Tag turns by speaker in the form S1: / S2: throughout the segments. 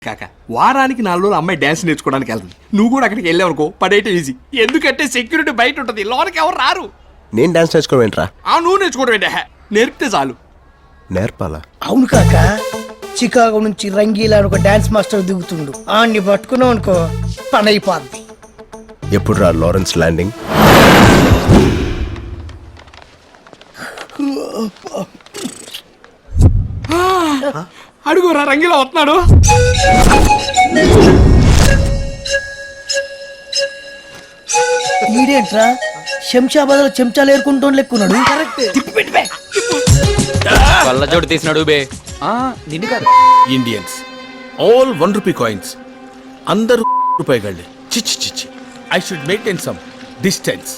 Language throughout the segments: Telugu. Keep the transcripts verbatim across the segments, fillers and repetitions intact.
S1: కాక వారానికి నాలుగు రోజులు అమ్మాయి డాన్స్ నేర్చుకోవడానికి వెళ్తుంది. నువ్వు కూడా అక్కడికి వెళ్ళావు అనుకో, పడేయటం ఈజీ. ఎందుకంటే సెక్యూరిటీ బయట ఉంటుంది, లోనికి ఎవరు రారు.
S2: నేను డాన్స్ నేర్చుకోవడం ఏంట్రా?
S1: ఆ నువ్వు నేర్చుకోవడం ఏంటే, నేర్పితే చాలు.
S2: నేర్పాలా?
S3: అవును కాక, చికాగో నుంచి రంగీలా అని ఒక డాన్స్ మాస్టర్ దిగుతుండు. ఆన్ని పట్టుకున్నావు అనుకో పని అయిపోద్ది.
S2: ఎప్పుడు రా లారెన్స్ ల్యాండింగ్?
S1: అడుగురా, రంగిలో వస్తున్నాడు.
S3: ఈడేంట్రా శంషాబాద్ లో చెంచాలు ఏరుకుంటూ లెక్కున్నాడు.
S4: కళ్ళజోడు తీసినాడు బే. నిన్ను కాదు,
S5: Indians all one rupee coins, అందరూ రూపాయి గళ్ళే. చిచ్చి చిచ్చి, I should maintain some distance.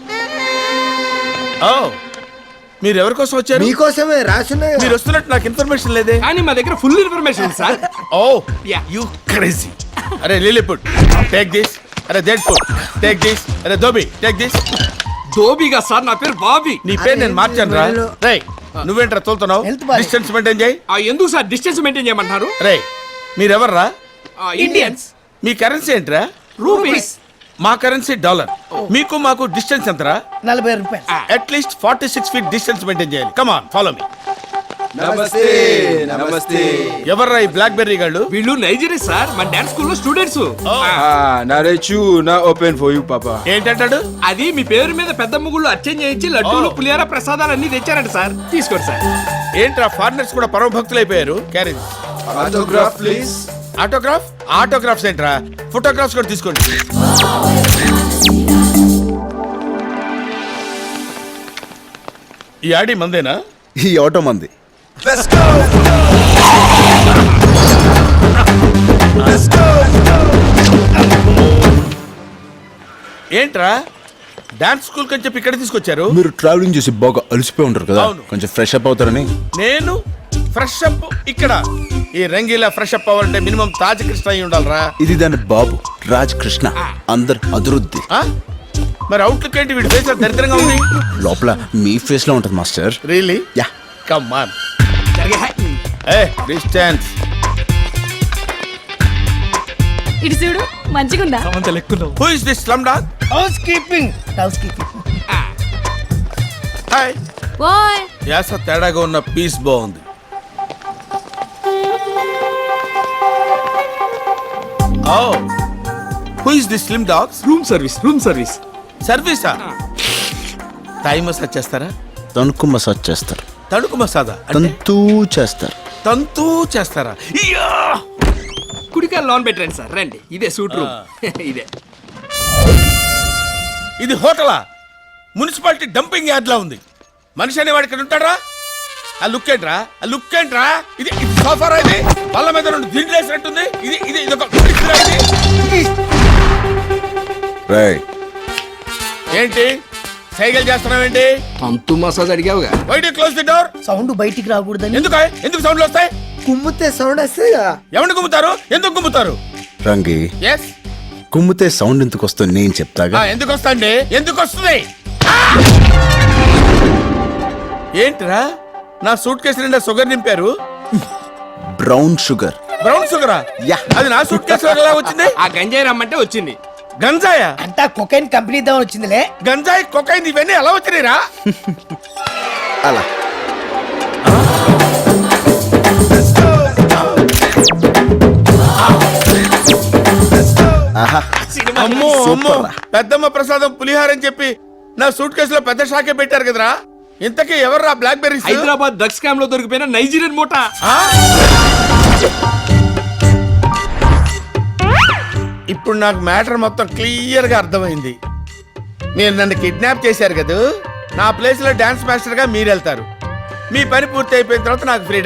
S5: ఓ, మీరు ఎవరి కోసం వచ్చారు?
S6: మీకోసమే రాసున్నాయి.
S5: మీరు వస్తున్నట్టు నాకు ఇన్ఫర్మేషన్ లేదే.
S1: కానీ మా దగ్గర full information sir.
S5: Oh you crazy. అరే లిలీపుట్, టేక్ దిస్. అరే డెడ్పుట్, టేక్ దిస్. అరే దోబి, టేక్ దిస్.
S1: దోబిగా సార్, నా పేరు బాబీ.
S5: నీ పేరు నేను మార్చాను రా. రేయ్, నువ్వేంట్రా తోలుతున్నావు?
S3: Health boy.
S5: డిస్టెన్స్ మెయింటైన్ చేయి.
S1: ఆ, ఎందుకు సార్ డిస్టెన్స్ మెయింటైన్ చేయమంటున్నారు?
S5: రేయ్, మీరెవర్రా?
S1: ఇండియన్స్.
S5: మీ కరెన్సీ ఏంట్రా?
S1: రూపీస్.
S5: మా కరెన్సీ డాలర్. మీకు మాకు డిస్టెన్స్ ఎంతరా?
S3: నలభై రూపాయలు.
S5: At least forty six feet distance maintain చేయాలి. Come on, follow me.
S6: Namaste namaste.
S5: ఎవర్రా ఈ బ్లాక్ బెర్రీ గాళ్ళు?
S1: వీళ్ళు నైజీరియా సార్, మన డాన్స్ స్కూల్లో స్టూడెంట్స్.
S6: నరేచు నా ఓపెన్ ఫర్ యూ పాపా.
S5: ఏంటంటాడు?
S1: అది మీ పేరు మీద పెద్ద ముగ్గులు అర్చన చేయించి లడ్డూలు, పులిహార ప్రసాదాలు అన్ని తెచ్చారంట సార్. తీసుకోండి సార్.
S5: ఏంట్రా ఫారినర్స్ కూడా పరమ భక్తులు అయిపోయారు. క్యారేజ్
S6: ఆటోగ్రాఫ్ ప్లీజ్.
S5: ఆటోగ్రాఫ్? ఆటోగ్రాఫ్స్ ఏంట్రా? ఫోటోగ్రాఫ్స్ కూడా తీసుకోండి. ఈ ఆడి మందేనా?
S2: ఈ ఆటో మంది.
S6: Let's go let's go.
S5: ఏంట్రా డాన్స్ స్కూల్ కని చెప్పి ఇక్కడ తీసుకొచ్చారు?
S2: మీరు ట్రావెలింగ్ చేసి బాగా అలసిపోయి ఉంటారు కదా,
S5: అవును.
S2: కొంచెం ఫ్రెష్ అప్ అవుతారని.
S5: నేను ఫ్రెష్ అప్ ఇక్కడ? ఈ రంగీలా ఫ్రెష్ అప్ అవ్వాలంటే మినిమం తాజ్ కృష్ణ అయి ఉండాలరా.
S2: ఇది దాని బాబు రాజ్ కృష్ణ, అందరు అదురుద్ది.
S5: ఆ? మరి అవుట్లుక్ ఏంటి? వీడి ఫేస్ దరిద్రంగా ఉంది.
S2: లోపల మీ ఫేస్ లో ఉంటది master.
S5: Really?
S2: Yeah.
S5: Come on. A distance.
S7: ఇటు చూడు, మంచిగుందా?
S5: Who is this slumdog?
S3: Housekeeping housekeeping.
S5: Hi.
S7: ఓయ్
S5: యాస తేడాగా ఉన్న పీస్ బాగుంది. Oh, who is this slim dogs?
S1: Room service, room service.
S5: సర్వీసా? థాయ్ మసాజ్ చేస్తారా?
S2: తణుకు మసాజ్ చేస్తారు.
S5: తణుకు మసాజా?
S2: తంతూ చేస్తారు.
S5: తంతూ చేస్తారా? ఇయ్యా!
S1: కుడికాయ లోన్ పెట్టండి సార్, రండి. ఇదే సూట్ రూమ్. ఇదే.
S5: ఇది హోటలా? మున్సిపాలిటీ డంపింగ్ యార్డ్ లా ఉంది. మనిషి అనేవాడు ఇక్కడ ఉంటాడా? ఆ లుక్ ఏంట్రా? ఆ లుక్ ఏంట్రా? ఇది ఇది సోఫారా? ఇది బల్ల మీద రెండు దిండ్లు వేసినట్టుంది. ఇది ఇది ఇది ఒక
S2: రేయ్,
S5: ఏంటి సైకిల్ చేస్తున్నావేంటి?
S1: అంతు మసాజ్ అడిగావుగా.
S5: Why do close the door?
S3: Sound బయటికి రాకూడదని.
S5: ఎందుకు ఎందుకు సౌండ్లు వస్తాయి?
S6: కుమ్మితే సౌండ్ వస్తాయా?
S5: ఎవరిని గుమ్ముతారు? ఎందుకు గుమ్ముతారు?
S2: రంగి,
S5: ఎస్.
S2: కుమ్మితే సౌండ్ ఎందుకు వస్తుంది నేను చెప్తాగా.
S5: ఎందుకు వస్తాండి? ఎందుకు వస్తుంది? ఏంట్రా నా సూట్ కేసు నిండా షుగర్ నింపారు?
S2: Brown sugar.
S5: బ్రౌన్ షుగరా?
S2: యా.
S5: అది నా సూట్ కేసు ఎలా వచ్చింది?
S1: ఆ గంజాయి రమ్మంటే వచ్చింది.
S5: గంజాయా?
S3: అంతా కొకైన్ కంపెనీ దాని వచ్చిందిలే.
S5: గంజాయి, కొకైన్ ఇవన్నీ ఎలా వచ్చినాయిరా?
S2: అలా ఆహా.
S5: అమ్మో అమ్మో,
S2: సూపర్ రా.
S5: పెద్దమ్మ ప్రసాదం పులిహార అని చెప్పి నా సూట్ కేసులో పెద్ద షాకే పెట్టారు కదరా. ఇంతకీ ఎవర్రా blackberries?
S1: Hyderabad drugs scam లో దొరికిపోయిన నైజీరియన్ మూట.
S5: ఇప్పుడు నాకు మ్యాటర్ మొత్తం క్లియర్ గా అర్థమైంది. మీరు నన్ను కిడ్నాప్ చేశారు కదా, నా ప్లేస్ లో డాన్స్ మాస్టర్ గా మీరు వెళ్తారు. మీ పని పూర్తి అయిపోయిన తర్వాత నాకు ఫ్రీ